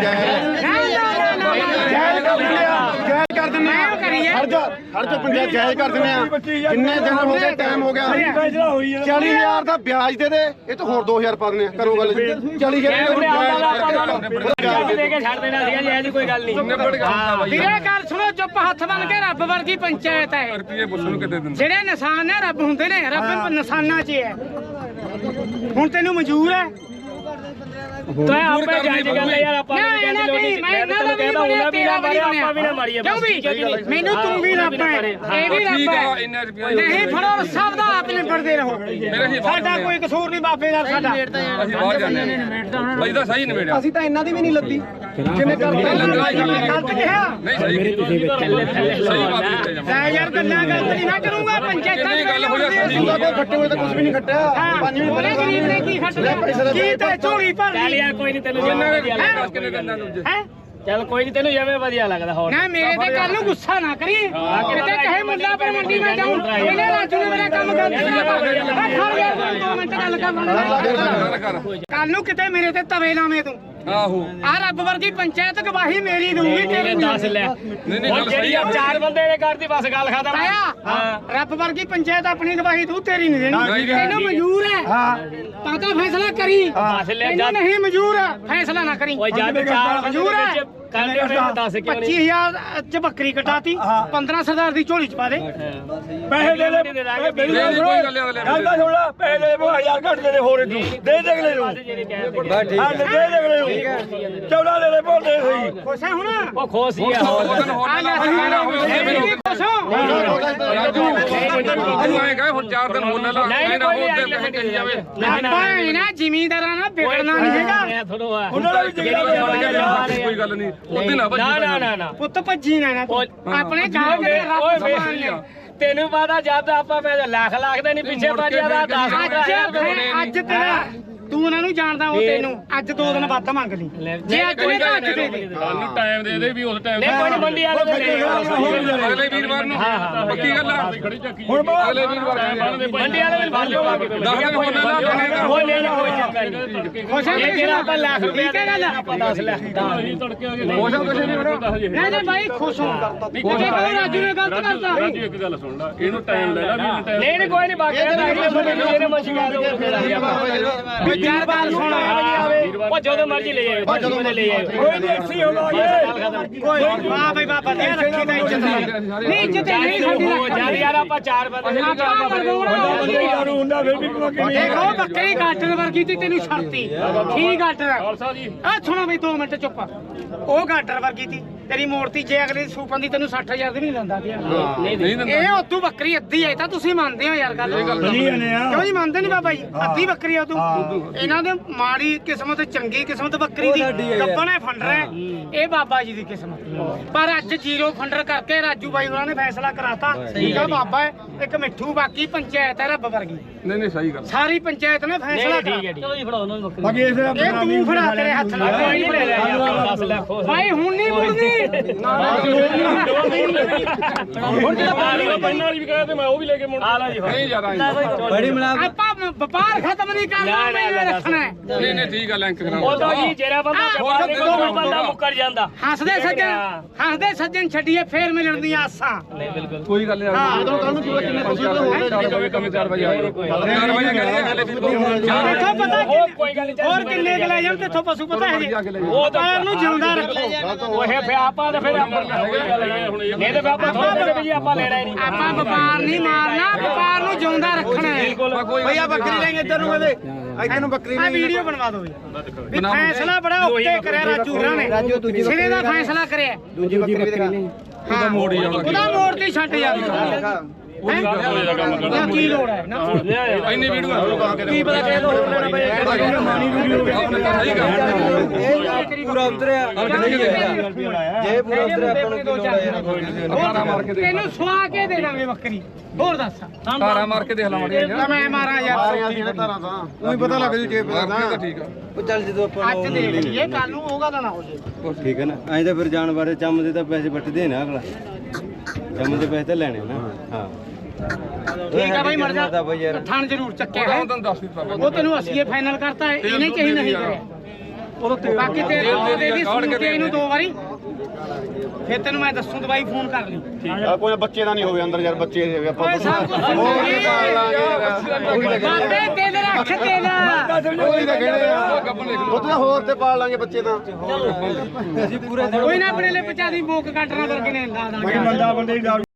Speaker 1: ਜਾਇਜ਼
Speaker 3: ਕਰ ਦਿੰਦੇ ਆ
Speaker 1: ਕਰੀਏ
Speaker 3: ਹਰ ਜਾ ਹਰ ਜਾ ਪੰਜਾਹ ਜਾਇਜ਼ ਕਰ ਦਿੰਦੇ ਆ ਕਿੰਨੇ ਦਿਨ ਹੋ ਗਏ ਟਾਈਮ ਹੋ ਗਿਆ
Speaker 4: ਫੈਸਲਾ ਹੋਈ ਹੈ
Speaker 3: ਚਾਲੀ ਹਜ਼ਾਰ ਦਾ ਵਿਆਜ ਦੇ ਦੇ ਇਹ ਤਾਂ ਹੋਰ ਦੋ ਹਜ਼ਾਰ ਪਾ ਦਿੰਦੇ ਆ ਕਰੋ ਗੱਲ ਚਾਲੀ ਹਜ਼ਾਰ
Speaker 2: ਦੇ ਕੇ ਛੱਡ ਦੇਣਾ ਸੀਗਾ ਜੀ ਇਹ ਜੀ ਕੋਈ ਗੱਲ ਨਹੀਂ
Speaker 1: ਵੀਰੇ ਗੱਲ ਸੁਣੋ ਚੁੱਪ ਹੱਥ ਬਣ ਕੇ ਰੱਬ ਵਰਗੀ ਪੰਚਾਇਤ ਹੈ
Speaker 6: ਰੁਪਏ ਪੁੱਛ ਨੂੰ ਕਿਤੇ ਦਿੰਦੇ
Speaker 1: ਜਿਹੜੇ ਨਿਸ਼ਾਨ ਨੇ ਰੱਬ ਹੁੰਦੇ ਨੇ ਰੱਬ ਨਿਸ਼ਾਨਾਂ 'ਚ ਹੈ ਹੁਣ ਤੈਨੂੰ ਮਨਜ਼ੂਰ ਹੈ
Speaker 2: ਤੂੰ ਆਪੇ ਜਾਇਜ਼ ਗੱਲ ਯਾਰ ਆਪਾਂ ਨੂੰ ਕਹਿੰਦੇ ਲੋੜੀ ਮੈਂ ਤੈਨੂੰ ਕਹਿੰਦਾ ਉਹਨਾਂ ਵੀ ਨਾ ਮਾਰੀ ਆਪਾਂ ਵੀ ਨਾ ਮਾਰੀਏ
Speaker 1: ਕਿਉਂ ਵੀ ਮੈਨੂੰ ਤੂੰ ਵੀ ਰੱਬ ਹੈ ਇਹ ਵੀ ਰੱਬ ਹੈ
Speaker 6: ਇੰਨੇ ਰੁਪਏ
Speaker 1: ਨਹੀਂ ਫੜੋ ਸਭ ਦਾ ਆਪ ਨਿਬੜਦੇ ਰਹੋ ਸਾਡਾ ਕੋਈ ਕਸੂਰ ਨਹੀਂ ਬਾਬੇ ਦਾ ਸਾਡਾ
Speaker 6: ਅਸੀਂ ਬਾਹਰ ਜਾਂਦੇ ਹਾਂ ਬਾਈ ਦਾ ਸਹੀ ਨਿਬੇੜਿਆ
Speaker 8: ਅਸੀਂ ਤਾਂ ਇਹਨਾਂ ਦੀ ਵੀ ਨਹੀਂ ਲੱਦੀ ਜਿਵੇਂ ਕਰਦੇ
Speaker 1: ਗਲਤ ਕਿਹਾ
Speaker 6: ਨਹੀਂ ਸਹੀ ਸਹੀ ਬਾਤ ਕੀਤੀ ਜਾਵੇ
Speaker 1: ਲੈ ਯਾਰ ਗੱਲਾਂ ਗਲਤ ਨਹੀਂ ਨਾ ਕਰੂੰਗਾ ਪੰਚਾਇਤਾਂ
Speaker 6: ਕਿੰਨੀ ਗੱਲ ਹੋ ਜਾਂਦੀ
Speaker 3: ਉਹਦਾ ਕੋਈ ਖੱਟੇ ਹੋਏ ਤਾਂ ਕੁਝ ਵੀ ਨਹੀਂ ਖੱਟਿਆ ਪੰਜ ਮਿੰਟ
Speaker 1: ਉਹਨੇ ਗਰੀਬ ਨੇ ਕੀ ਖੱਟਦਾ ਕੀ ਤੇ ਝੋਲੀ ਭਰ
Speaker 2: ਚੱਲ
Speaker 1: ਲਈ
Speaker 2: ਯਾਰ ਕੋਈ ਨਹੀਂ ਤੈਨੂੰ ਜਿਵੇਂ ਵਧੀਆ ਲੱਗਦਾ
Speaker 6: ਕਿੰਨੇ ਦਿਨਾਂ ਨੂੰ
Speaker 1: ਹੈ
Speaker 2: ਚੱਲ ਕੋਈ ਨਹੀਂ ਤੈਨੂੰ ਜਿਵੇਂ ਵਧੀਆ ਲੱਗਦਾ ਹੋਰ
Speaker 1: ਨਾ ਮੇਰੇ ਤੇ ਕੱਲ ਨੂੰ ਗੁੱਸਾ ਨਾ ਕਰੀ ਕਿਤੇ ਕਹੇ ਮੁੰਡਾ ਪਰ ਮੰਡੀ ਮੈਂ ਜਾਉਂ ਇਹਨੇ ਰਾਜੂ ਨੇ ਮੇਰਾ ਕੰਮ ਕਰ ਦਿੱਤਾ ਖੜ ਗਿਆ ਦੋ ਮਿੰਟ ਗੱਲ ਕਰ ਕੱਲ ਨੂੰ ਕਿਤੇ ਮੇਰੇ ਤੇ ਤਵੇ ਲਾਵੇਂ ਤੂੰ
Speaker 6: ਆਹੋ
Speaker 1: ਆ ਰੱਬ ਵਰਗੀ ਪੰਚਾਇਤ ਗਵਾਹੀ ਮੇਰੀ ਦਊਗੀ ਤੇਰੀ ਨਹੀਂ
Speaker 2: ਦੱਸ ਲੈ
Speaker 6: ਨਹੀਂ ਨਹੀਂ
Speaker 2: ਹੁਣ
Speaker 6: ਗੱਲ
Speaker 2: ਜਿਹੜੀ
Speaker 6: ਸਹੀ
Speaker 2: ਆ
Speaker 6: ਆ
Speaker 2: ਚਾਰ ਬੰਦੇ ਨੇ ਕਰਤੀ ਬਸ ਗੱਲ ਖਤਮ
Speaker 1: ਆਇਆ ਰੱਬ ਵਰਗੀ ਪੰਚਾਇਤ ਆਪਣੀ ਗਵਾਹੀ ਦਊ ਤੇਰੀ ਨਹੀਂ ਦੇਣੀ ਤੈਨੂੰ ਮਨਜ਼ੂਰ ਹੈ ਹਾਂ ਤਾਂ ਤਾਂ ਫੈਸਲਾ ਕਰੀ
Speaker 2: ਬਸ ਲੈ
Speaker 1: ਤੈਨੂੰ
Speaker 2: ਜਦ
Speaker 1: ਨਹੀਂ ਮਨਜ਼ੂਰ ਫੈਸਲਾ ਨਾ ਕਰੀ
Speaker 2: ਓਏ ਜਦ ਚਾਰ ਬੰਦੇ
Speaker 1: ਮਨਜ਼ੂਰ ਹੈ
Speaker 2: ਵਿੱਚ ਕਰਦੇ ਹੋਣੇ ਦੱਸ ਕਿਉਂ
Speaker 1: ਪੱਚੀ
Speaker 2: ਨਹੀਂ
Speaker 1: ਹਜ਼ਾਰ ਚ ਬੱਕਰੀ ਕਟਾਤੀ ਪੰਦਰਾਂ ਸਰਦਾਰ ਦੀ ਝੋਲੀ ਚ ਪਾ ਦੇ
Speaker 4: ਪੈਸੇ ਦੇ ਦੇ ਮੇਰੀ ਗੱਲ ਸੁਣੋ
Speaker 6: ਕੋਈ ਗੱਲ ਨਹੀਂ ਅਗਲੇ
Speaker 4: ਗੱਲ ਤਾਂ ਸੁਣ ਲੈ ਪੈਸੇ ਦੇ ਦੇ ਹਜ਼ਾਰ ਘੱਟ ਦੇ ਦੇ ਹੋਰ ਇਹਨੂੰ ਦੇ ਦੇ ਅਗਲੇ ਨੂੰ
Speaker 2: ਜਿਹੜੇ ਕਹਿੰਦੇ
Speaker 4: ਹਾਂ ਦੇ ਦੇ ਅਗਲੇ ਨੂੰ ਚੌੜਾ ਦੇ ਦੇ ਬੋਲ ਦੇ ਸਹੀ
Speaker 1: ਖੁਸ਼ ਹੈ ਹੁਣ
Speaker 2: ਉਹ ਖੋਸ ਹੀ ਆ
Speaker 6: ਉਹ ਦਿਨ ਹੋਰ
Speaker 1: ਆ ਲੈ ਖੁਸ਼ ਹੋ
Speaker 6: ਰਾਜੂ ਤੂੰ ਆਏ ਗਏ ਹੁਣ ਚਾਰ ਦਿਨ ਹੋਣ ਲਾ
Speaker 2: ਨਹੀਂ
Speaker 6: ਨਾ
Speaker 2: ਕੋਈ
Speaker 6: ਹੋਰ
Speaker 2: ਨਹੀਂ
Speaker 6: ਦੇ ਪੈਸੇ ਕਹੀ ਜਾਵੇ
Speaker 1: ਆਪਾਂ ਇਹ ਨਾ ਜ਼ਿਮੀਂਦਾਰਾਂ ਨਾਲ ਵਿਗੜਨਾ ਨਹੀਂ ਹੈਗਾ
Speaker 2: ਥੋੜੋ ਆ
Speaker 4: ਉਹਨਾਂ ਦਾ ਵੀ
Speaker 6: ਕੋਈ ਗੱਲ ਨਹੀਂ ਉਹਦੇ ਨਾਲ
Speaker 2: ਨਾ ਨਾ ਨਾ ਨਾ
Speaker 1: ਪੁੱਤ ਭੱਜੀ ਨਾ ਨਾ ਤੂੰ। ਆਪਣੇ ਗਾਂ ਦੇ ਰੱਬ
Speaker 2: ਓਏ
Speaker 1: ਸਮਾਨ ਨੇ
Speaker 2: ਤੈਨੂੰ ਪਤਾ ਜਦ ਆਪਾਂ ਪੈਸੇ ਲੱਖ ਲੱਖ ਦੇ ਨਹੀਂ ਪਿੱਛੇ ਭੱਜਿਆ ਦਾ ਦਸ
Speaker 1: ਅੱਜ ਅੱਜ ਤੇਰਾ ਤੂੰ ਉਹਨਾਂ ਨੂੰ ਜਾਣਦਾ ਉਹ ਤੈਨੂੰ ਅੱਜ ਦੋ ਦਿਨ ਵੱਧ ਮੰਗ ਲਈ ਜੇ ਅੱਜ ਨੇ ਤਾਂ ਅੱਜ ਦੇ ਦੇ
Speaker 6: ਸਾਨੂੰ ਟਾਈਮ ਦੇ ਦੇ ਵੀ ਉਸ ਟਾਈਮ
Speaker 2: ਨਹੀਂ ਕੋਈ ਨੀ, ਮੰਡੀ ਵਾਲੇ ਦੇ ਦੇ
Speaker 6: ਅਗਲੇ ਵੀਰਵਾਰ ਨੂੰ ਪੱਕੀ ਗੱਲ ਆ
Speaker 4: ਹੁਣ
Speaker 6: ਅਗਲੇ ਵੀਰਵਾਰ ਨੂੰ
Speaker 2: ਮੰਡੀ ਵਾਲੇ ਦੇ ਬੰਦ ਹੋ ਗਏ
Speaker 6: ਦਸ ਦਿਨ ਹੋਣ ਲਾ
Speaker 2: ਕੋਈ ਨਹੀਂ ਕੋਈ ਚੱਕਰ ਨਹੀਂ
Speaker 1: ਖੁਸ਼ ਹੈ
Speaker 2: ਇਹ ਜਿਹੜਾ ਆਪਾਂ ਲੱਖ ਰੁਪਏ
Speaker 1: ਠੀਕ ਹੈ ਗੱਲ
Speaker 2: ਆਪਾਂ ਦਸ ਲੱਖ
Speaker 6: ਅਸੀਂ ਤੜਕੇ ਆ ਗਏ ਮੋਸ਼ਾ ਕੁਛ ਨਹੀਂ ਬਣਾ
Speaker 1: ਨਹੀਂ ਨਹੀਂ ਬਾਈ ਖੁਸ਼ ਹੋ ਜੇ ਕਹੋ ਰਾਜੂ ਨੇ ਗਲਤ ਕਰਤਾ
Speaker 6: ਰਾਜੂ ਇੱਕ ਗੱਲ ਸੁਣ ਲੈ ਇਹਨੂੰ ਟਾਈਮ ਲੈ ਲੈ ਵੀ ਟਾਈਮ
Speaker 2: ਨਹੀਂ ਨਹੀਂ ਕੋਈ ਨਹੀਂ ਬਾਕੀ ਅਗਲੇ ਬੰਦੇ ਨੂੰ ਜਿਹਨੇ ਮਰਜ਼ੀ ਕਰ ਦੋ ਫਿਰ ਅਸੀਂ ਆਪਾਂ
Speaker 1: ਵਿਚਾਰ ਗੱਲ ਸੁਣ
Speaker 2: ਉਹ ਜਦੋਂ ਮਰਜ਼ੀ ਲੈ ਆਇਓ ਜਦੋਂ ਮਰਜ਼ੀ ਲੈ ਆਇਓ
Speaker 4: ਕੋਈ ਨਹੀਂ ਐਕਸੀ ਹੋਵਾਂਗੇ
Speaker 1: ਕੋਈ ਵਾਹ ਬਈ ਬਾਬਾ ਦੀ ਰੱਖੀ ਦਾ ਇੱਜ਼ਤ ਨਹੀਂ ਇੱਜ਼ਤ ਨਹੀਂ ਸਾਡੀ
Speaker 2: ਉਹ ਜਦ ਯਾਰ ਆਪਾਂ ਚਾਰ ਬੰਦੇ
Speaker 1: ਆਪਾਂ ਮਰਦੂਣਾ
Speaker 4: ਬੰਦੇ ਦਾਰੂ ਹੁੰਦਾ ਫਿਰ ਵੀ ਕੋਈ ਨਹੀਂ
Speaker 1: ਦੇਖੋ ਬੱਕਰੀ ਗਾਟਰ ਵਰਗੀ ਤੀ ਤੈਨੂੰ ਛੜਤੀ ਠੀਕ ਗਾਟਰ
Speaker 6: ਖਾਲਸਾ ਜੀ
Speaker 1: ਆ ਸੁਣੋ ਬਈ ਦੋ ਮਿੰਟ ਚੁੱਪ ਉਹ ਗਾਟਰ ਵਰਗੀ ਤੀ ਤੇਰੀ ਮੂਰਤੀ ਜੇ ਅਗਲੇ ਸੂਪਾਂ ਦੀ ਤੈਨੂੰ ਸੱਠ ਹਜ਼ਾਰ ਦੀ ਨਹੀਂ ਲੈਂਦਾ ਪਿਆ
Speaker 6: ਨਹੀਂ ਦਿੰਦਾ
Speaker 1: ਇਹ ਉਦੋਂ ਬੱਕਰੀ ਅੱਧੀ ਹੈ ਤਾਂ ਤੁਸੀਂ ਮੰਨਦੇ ਹੋ ਯਾਰ ਗੱਲ
Speaker 4: ਨਹੀਂ ਆਨੇ ਆ
Speaker 1: ਕਿਉਂ ਜੀ ਮੰਨਦੇ ਨਹੀਂ ਬਾਬਾ ਜੀ ਅੱਧੀ ਬੱਕਰੀ ਆ ਤੂੰ ਇਹਨਾਂ ਦੇ ਮਾੜੀ ਕਿਸਮਤ ਚੰਗੀ ਕਿਸਮਤ ਬੱਕਰੀ ਦੀ ਗੱਬਣੇ ਫੰਡਰ ਹੈ ਇਹ ਬਾਬਾ ਜੀ ਦੀ ਕਿਸਮਤ ਪਰ ਅੱਜ ਜ਼ੀਰੋ ਫੰਡਰ ਕਰਕੇ ਰਾਜੂ ਬਾਈ ਹੋਰਾਂ ਨੇ ਫੈਸਲਾ ਕਰਾਤਾ ਠੀਕ ਆ ਬਾਬਾ ਹੈ ਇੱਕ ਮਿੱਠੂ ਬਾਕੀ ਪੰਚਾਇਤ ਹੈ ਰੱਬ ਵਰਗੀ
Speaker 6: ਨਹੀਂ ਨਹੀਂ ਸਹੀ ਗੱਲ
Speaker 1: ਸਾਰੀ ਪੰਚਾਇਤ ਨੇ ਫੈਸਲਾ
Speaker 2: ਠੀਕ ਹੈ ਚਲੋ ਜੀ ਫੜਾਓ ਉਹਨਾਂ ਨੂੰ ਬੱਕਰੀ
Speaker 4: ਬਾਕੀ ਇਸ ਦਾ
Speaker 1: ਇਹ ਤੂੰ ਫੜਾ ਤੇਰੇ ਹੱਥ ਨਾਲ
Speaker 2: ਕੋਈ ਨਹੀਂ ਫੜਿਆ ਯਾਰ ਦਸ ਲੱਖ ਹੋ
Speaker 1: ਭਾਈ ਹੁਣ ਨਹੀਂ ਮੁੜਦੀ
Speaker 6: ਹੁਣ ਜਿਹੜਾ ਪਾਣੀ ਦਾ ਪੈਨ ਵਾਲੀ ਵੀ ਕਹੇ ਤੇ ਮੈਂ ਉਹ ਵੀ ਲੈ ਕੇ ਮੁੜ
Speaker 2: ਆ ਲਓ ਜੀ
Speaker 6: ਨਹੀਂ ਯਾਰ
Speaker 5: ਬੜੀ ਮਲਾ
Speaker 1: ਆਪਾਂ ਵਪਾਰ ਖਤਮ ਨਹੀਂ ਕਰਨਾ ਮੈਂ ਰੱਖਣਾ ਹੈ।
Speaker 6: ਨਹੀਂ ਨਹੀਂ ਠੀਕ ਆ ਲਿੰਕ ਕਰਾ
Speaker 2: ਉਹ ਤਾਂ ਜੀ ਜਿਹੜਾ ਬੰਦਾ ਜਵਾਬ ਦੇ ਦੋ ਬੰਦਾ ਮੁੱਕਰ ਜਾਂਦਾ
Speaker 1: ਹੱਸਦੇ ਸੱਜਣ ਹੱਸਦੇ ਸੱਜਣ ਛੱਡੀਏ ਫੇਰ ਮਿਲਣ ਦੀਆਂ ਆਸਾਂ
Speaker 2: ਨਹੀਂ ਬਿਲਕੁਲ
Speaker 6: ਕੋਈ ਗੱਲ ਨਹੀਂ ਜਦੋਂ ਕੱਲ ਨੂੰ ਕਿੰਨੇ ਪਸ਼ੂ ਹੋਰ ਚਾਰ ਵਜੇ ਕੰਮ ਚਾਰ ਵਜੇ ਆਏ ਚਾਰ ਵਜੇ ਕਹਿੰਦੇ ਅਗਲੇ ਵੀਰ
Speaker 1: ਇੱਥੋਂ ਪਤਾ
Speaker 2: ਹੋਰ ਕੋਈ ਗੱਲ ਨਹੀਂ
Speaker 1: ਹੋਰ ਕਿੰਨੇ ਕੁ ਲੈ ਜਾਣ ਤੇਥੋਂ ਪਸ਼ੂ ਪਤਾ ਹੈ ਜੀ ਉਹ ਤਾਂ ਨੂੰ ਜਿਉਂਦਾ ਰੱਖੋ
Speaker 2: ਉਹ ਹੈ ਫਿਰ ਆਪਾਂ ਤਾਂ ਫਿਰ ਆਪਾਂ ਇਹ ਤਾਂ ਆਪਾਂ ਥੋੜੇ ਦੇ ਵੀ ਆਪਾਂ ਲੈਣਾ ਹੀ ਨਹੀਂ
Speaker 1: ਆਪਾਂ ਵਪਾਰ ਨਹੀਂ ਮਾਰਨਾ ਵਪਾਰ ਨੂੰ ਜਿਉਂਦਾ ਰੱਖਣਾ ਹੈ
Speaker 8: ਭਈਆ ਬੱਕਰੀ ਲੈਂਗੇ ਇੱਧਰ ਨੂੰ ਇਹਦੇ ਇੱਧਰ ਨੂੰ ਬੱਕਰੀ
Speaker 1: ਆ ਵੀਡੀਓ ਬਣਵਾ ਦਿਓ ਵੀ ਫੈਸਲਾ ਬੜਾ ਉੱਤੇ ਕਰਿਆ ਰਾਜੂ ਹੋਰਾਂ ਨੇ ਸਿਰੇ ਦਾ ਫੈਸਲਾ ਕਰਿਆ
Speaker 8: ਦੂਜੀ ਬੱਕਰੀ ਦਿਖਾ
Speaker 1: ਉਹਦਾ ਮੋੜ ਹੀ ਉਹਦਾ ਮੋੜ ਤੇ ਛੱਡ ਜਾ ਹੈਂ? ਕੀ ਲੋੜ ਹੈ ਨਾ
Speaker 6: ਇੰਨੀ ਵੀਡੀਓ
Speaker 1: ਕੀ ਪਤਾ ਕਿਹਦੇ ਤੋਂ ਹੋਰ ਲੈਣਾ ਪਏ
Speaker 4: ਮਾਨੀ ਵੀਡੀਓ
Speaker 6: ਸਹੀ ਗੱਲ
Speaker 8: ਪੂਰਾ ਉਤਰਿਆ ਜੇ ਪੂਰਾ ਉਤਰਿਆ ਆਪਾਂ ਨੂੰ ਕੀ ਲੋੜ ਹੈ ਯਾਰ
Speaker 6: ਤਾਰਾ ਮਾਰ ਕੇ ਦੇਖ
Speaker 1: ਤੈਨੂੰ ਸਵਾ ਕੇ ਦੇ ਦਾਂਗੇ ਬੱਕਰੀ ਹੋਰ ਦੱਸ
Speaker 6: ਤਾਰਾ ਮਾਰ ਕੇ ਦੇਖ ਲਾ ਮੜੀ
Speaker 1: ਤਾਂ ਮੈਂ ਮਾਰਾਂ ਯਾਰ
Speaker 3: ਧਾਰਾਂ ਤਾਂ ਉਹੀ ਪਤਾ ਲੱਗ ਜੂ ਜੇ ਪਤਾ
Speaker 6: ਤਾਂ ਠੀਕ ਆ
Speaker 8: ਉਹ ਚੱਲ ਜਦੋਂ ਆਪਾਂ
Speaker 1: ਅੱਜ ਦੇਖ ਲਈਏ ਕੱਲ ਨੂੰ ਉਹ ਗੱਲ ਨਾ ਹੋ ਜੇ
Speaker 5: ਠੀਕ ਹੈ ਨਾ ਐਂ ਤਾਂ ਫਿਰ ਜਾਣ ਬਾਰੇ ਚੰਮ ਦੇ ਤਾਂ ਪੈਸੇ ਵੱਟਦੇ ਨਾ ਅਗਲਾ ਚੰਮ ਦੇ ਪੈਸੇ ਤਾਂ ਲੈਣੇ ਨਾ ਹਾਂ
Speaker 1: ਠੀਕ ਆ ਬਾਈ ਮਰ ਜਾ
Speaker 5: ਤਾਂ ਬਈ ਯਾਰ
Speaker 1: ਥਣ ਜ਼ਰੂਰ ਚੱਕਿਆ
Speaker 6: ਉਹ
Speaker 1: ਹੈ
Speaker 6: ਤੈਨੂੰ ਦੱਸ ਦਿੱਤਾ
Speaker 1: ਉਹ ਤੈਨੂੰ ਅਸੀਂ ਫਾਈਨਲ ਕਰਤਾ ਹੈ ਇਹਨੇ ਚਾਹੀ ਨਹੀਂ ਕਰਿਆ ਬਾਕੀ ਤੇ ਦੇ ਦੀ ਸੁਣ ਕੇ ਇਹਨੂੰ ਦੋ ਵਾਰੀ ਫਿਰ ਤੈਨੂੰ ਮੈਂ ਦੱਸੂ ਦਵਾਈ ਫੋਨ ਕਰ ਲਈ
Speaker 3: ਆ ਕੋਈ ਬੱਚੇ ਦਾ ਨਹੀਂ ਹੋਵੇ ਅੰਦਰ ਯਾਰ ਬੱਚੇ ਦੇ ਆਪਾਂ
Speaker 1: ਓਏ ਸਭ ਕੁਝ ਬਾਬੇ ਦਿਲ ਰੱਖ ਦਿਲ
Speaker 3: ਉਹੀ ਤਾਂ ਕਹਿੰਦੇ ਆ ਉਹ ਤਾਂ ਹੋਰ ਤੇ ਪਾਲ ਲਾਂਗੇ ਬੱਚੇ ਤਾਂ
Speaker 1: ਕੋਈ ਨਾ ਆਪਣੇ ਲਈ ਪਚਾ ਦੀ ਬੋਕ ਕੱਟਣਾ ਕਰਕੇ ਨੇ ਲਾ ਦਾਂਗੇ
Speaker 4: ਬੰਦਾ ਬੰਦੇ ਦੀ ਦਾਰੂ